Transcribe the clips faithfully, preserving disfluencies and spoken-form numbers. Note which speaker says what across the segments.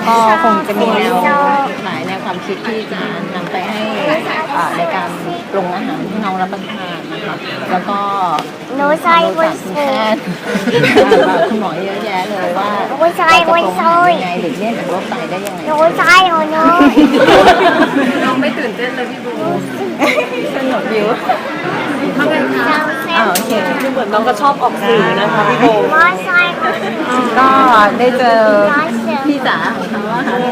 Speaker 1: ก็คงจะมีแนวหลายแนวความคิดที่จะนำไปให้ในการปรุงอาหารที่น้องรับประทานนะคะแล้วก็
Speaker 2: หนูใส่ไว้
Speaker 1: แพทย์คุณหมอเยอะแยะเลยว่าเราจะปรุงอาหารยังไงหรือเลี่ยงจากโรคไตได้ยังไง
Speaker 2: หนูใส่หนูน้
Speaker 3: องไม่ตื่นเต้นเลยพี่บู
Speaker 1: สนุกดิว
Speaker 3: ทำไงคะ
Speaker 1: อ่าโอเค
Speaker 3: เหมือนน้องก็ชอบออกสื่อนะคะพี่บู
Speaker 2: ว่าใส่
Speaker 1: ก็ได้เจอพี่จ๋าของเขาว่าค่ะ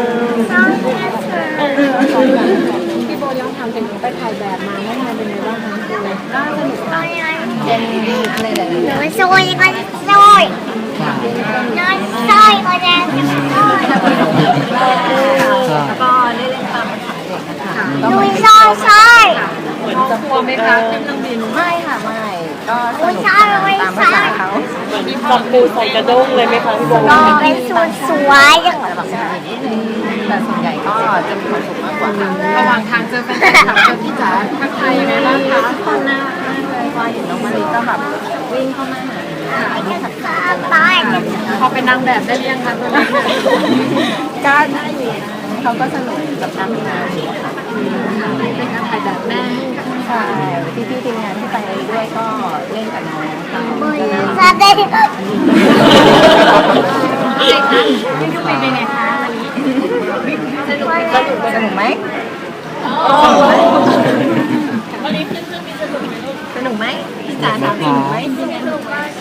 Speaker 3: พี่โบย้อนทำเป็นไปถ่ายแบบมาเมื่อนานเป็นไงบ้างคะคุณ
Speaker 1: ก็สนุกค่ะเป็นอะไรหลายๆอย่าง
Speaker 2: หนูซอยก็ซอยหนูซอยก็แดงซอย
Speaker 1: แล้วก็ได้เล่นตามภาษาเด็กนะคะ
Speaker 2: หนูซอยซอย
Speaker 3: เหมือนจะกลัวไหมคะขึ้นเครื่องบิน
Speaker 1: ไม่ค่ะไม่ก็สนุกตามภาษาเขา
Speaker 3: จับปูใส่กระด้งเลยไหมคะพี่โบ
Speaker 2: ก็เป็นสวยสวย
Speaker 1: แต่ส่วนใหญ่ก็จะมีความสุขมากกว่า
Speaker 3: ระหว่างทางเจอแฟนคลับเจอพี่จ๋าทักทายยังไงบ้างคะ
Speaker 1: คนน่ารักมากเลยพอเห็นน้องมาริก็แบบวิ่งเข้ามาหา
Speaker 2: ตาย
Speaker 3: พอเป็นนางแบบได้หรือยังคะตอนนี้
Speaker 1: ก็ได้อยู่เขาก็สนุกกับการทำงานอยู่ค่ะ
Speaker 3: เป็นการถ่ายแบบแม่
Speaker 1: ใช่พี่พี่ทีมงานที่ไปด้วยก็เล่นกับน้องค่ะ
Speaker 2: ซาเด้
Speaker 3: เป็นไงคะพี่ยูเป็นไงคะวันนี้
Speaker 1: สนุกสนุกสนุกไหม
Speaker 3: วันนี้ขึ้นเครื่องบินสนุกไหมลูก
Speaker 1: สนุกไหมพี่จ๋าสนุกไหมสนุกมาก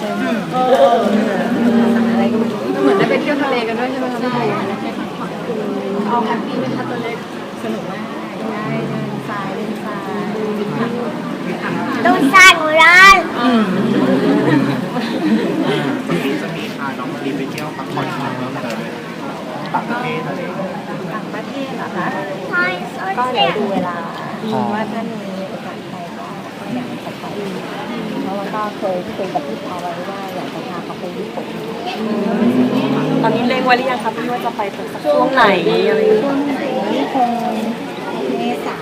Speaker 1: อะไรก็
Speaker 3: เหมือนได้ไปเที่ยวทะเลกันด้วยใช่ไหมคะพี่เอาแฮปปี้ไหมคะตัวเล็ก
Speaker 1: สนุกมากได้เดินทรายเดินทราย
Speaker 2: ดูซาหนูร้าน
Speaker 4: จะมีพาน้องมารีไปเที่ยวพักผ่อนที่ไหนบ้างเลยต่างประเทศอะไร
Speaker 1: ต่างประเทศเหรอคะ
Speaker 2: ใช่
Speaker 1: ก็เดี๋ยวดูเวลาว่าถ้ามีโอกาสไปก็อยากจะไปเพราะว่าก็เคยคุยกับพี่พาวไว้ว่าอยากจะพาเขาไปญี่ปุ่น
Speaker 3: ตอนนี้เล็งไว้หรือยังคะพี่ว่าจะไปสักช่วงไหนอะไร
Speaker 1: ช่วงไหนคงเมษา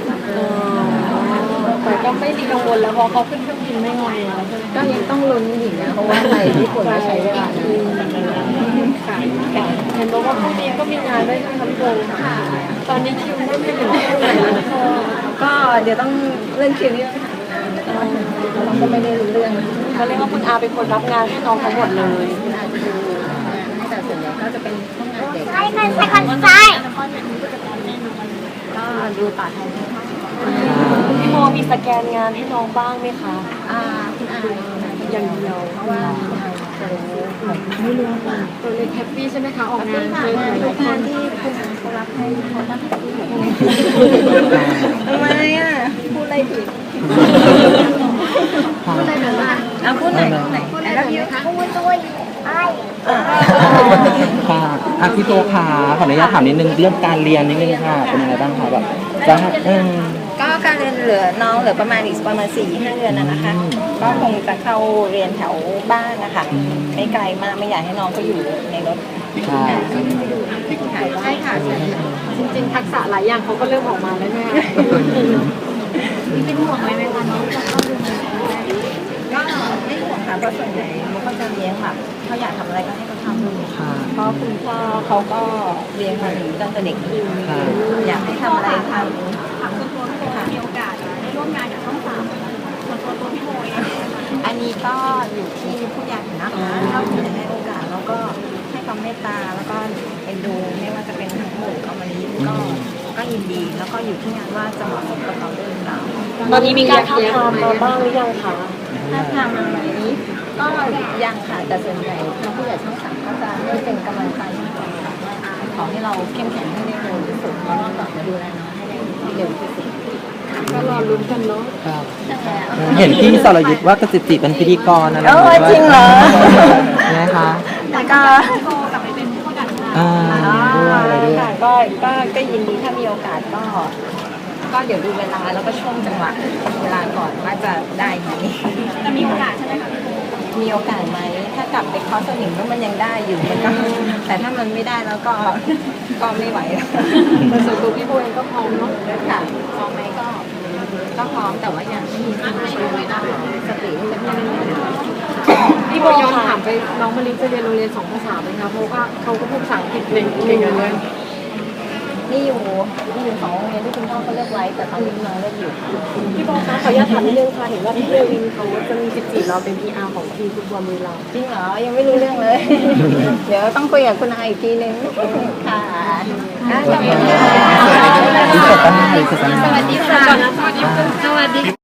Speaker 3: แต่ก็ไม่มีกังวลแล้วเพราะเขาขึ้นเครื่องบินไม่งอยแล้ว
Speaker 1: ก็ยังต้องลุ้นอีกนะเพราะว่าไปญี่ปุ่นไม่ใช้เวลา
Speaker 3: ค่ะเห็นบอกว่าพรุ่งนี้ก็มีงานด้วยใช่ไหมคะพี่โบค่ะตอนนี้คิวไม่ถึงเท่าไหร่
Speaker 1: ก็เดี๋ยวต้องเล่นคิวนี่เราก็ไม่ได้รู้เรื่อง
Speaker 3: เขาเรียกว่าคุณอาเป็นคนรับงานให้น้องทั้งหมดเลย
Speaker 1: คุณอาจะดูแต่ส่วนใหญ่ก็จะเป็นห้องงานเด็ก
Speaker 2: ใช่กันใช่กันใช่
Speaker 1: ก็ดูต่อแทน
Speaker 3: พี่โมมีสแกนงานให้น้องบ้างไหมคะ
Speaker 1: อ่าคุณอา
Speaker 3: อย่างเดียว
Speaker 1: เพราะว่าคุณอาจะรู้ไม่รู้ว่า
Speaker 3: ตัวเล็กแฮปปี้ใช่ไหมคะออกงาน
Speaker 1: เจอทุกงานที่คุณอาเขารับให้เขาต้องแฮปปี้ทำไมอ่ะพูดอะไรผิด
Speaker 3: พูดอะไรแบบว่า
Speaker 1: อ่ะพูดไหนพูดไหน
Speaker 2: พูดอะไรเยอะคะพูดด้วยไอ้
Speaker 4: ค่ะอาพี่โตค่ะขออนุญาตถามนิดนึงเรื่องการเรียนนิดนึงค่ะเป็นยังไงบ้างคะแบบจะ
Speaker 1: ก็การเรียนเหลือน้องเหลือประมาณอีกประมาณสี่ห้าเดือนนะนะคะก็คงจะเข้าเรียนแถวบ้านนะคะไม่ไกลมากไม่อยากให้น้องก็อยู่ในรถ
Speaker 4: ใช่
Speaker 3: ใช่ค่ะจริงๆทักษะหลายอย่างเขาก็เริ่มออกมาแล้วแม่
Speaker 2: มีเป็นห่วงไหมไหมคะน้องจะเข้าดู
Speaker 1: ก็ไม่ห่วงค่ะเพราะส่วนใหญ่มันก็จะเลี้ยงแบบเขาอยากทำอะไรก็ให้เขาทำเลยเพราะคุณพ่อเขาก็เลี้ยงมาอยู่ตั้งแต่เด็กอยากให้ทำอะไรทำ
Speaker 2: ถามส่วนตัวพี่โบมีโอกาสได้ร่วมงานกับช่องสามส่วนตัวตัวพี่โบ
Speaker 1: อันนี้ก็อยู่ที่ผู้ใหญ่นะคะถ้าคุณจะให้โอกาสแล้วก็ให้ความเมตตาแล้วก็เอ็นดูไม่ว่าจะเป็นทั้งหมดเอามานี้ก็ก็ยินดีแล้วก็อยู่ที่งานว่าจะเหมาะสมกับเราด้วยหรือเปล่า
Speaker 3: ตอนนี้มีการท้าทามมาบ้างหรือยังคะ
Speaker 1: ท้าทามมาไหมก็ยังค่ะแต่ส่วนใหญ่ทางผู้ใหญ่ช่องสามก็จะไม่เป็นกำลังใจมากกว่าขอให้เราเข้มแข็งให้ได้เร็วที่สุดแล้วก็กลับมาดูแลน้องให้ได้เร็วที่สุด
Speaker 3: ก็รอลุ้นกันเนาะ
Speaker 4: เห็นพี่สรยุทธว่ากระจิตจิเป็นพิธีกรอะไร
Speaker 1: จริงเหรอ
Speaker 4: นะคะ
Speaker 1: แล้วก็
Speaker 2: กลับไปเป็นผู้จัดการ
Speaker 4: อ่าด้วย
Speaker 1: ค่ะก็ก็ก็ยินดีถ้ามีโอกาสก็ก็เดี๋ยวดูเวลาแล้วก็ช่วงจังหวะเวลาก่อนว่าจะได้ไหม
Speaker 2: จะมีโอกาสใช่ไหมคะ
Speaker 1: มีโอกาสไหมถ้ากลับไปคอสนิมแล้วมันยังได้อยู่มันก็แต่ถ้ามันไม่ได้แล้วก็ก็ไม่ไหว
Speaker 3: แต่ส่วนตัวพี่โบเองก็พร้อมเนาะ
Speaker 1: ค่ะพร้อมไหมก็ก็พร้อมแต่ว่าอย่างที่มีสติสติเป็นยังไง
Speaker 3: พี่โบย้อนถามไปน้องมะลิจะเรียนโรงเรียนสองภาษาไหมคะเพราะว่าเขาก็พูดภาษาอังกฤษเก่งเก่งเลย
Speaker 1: นี่อยู่นี่อยู่สองโรงเรียนที่คุณพ่อเขาเลือกไว้แต่ตอนนี้น้องเลือกอยู่
Speaker 3: พี่โบคะขออนุญาตถามนิดนึงค่ะเห็นว่าพี่เอวินเขาจะมีสิบสี่เราเป็น พี อาร์ ของทีมฟุตบอลบุรีรัมย์
Speaker 1: จริงเหรอยังไม่รู้เรื่องเลย เดี๋ยวต้องคุยกับคุณอาอีกทีนึงค่ะอ่ะขอบคุณค่ะ
Speaker 4: ที่เกิดตั้งใจที่สุด
Speaker 1: สวัสดีค่ะ
Speaker 3: สวัสดีค่ะ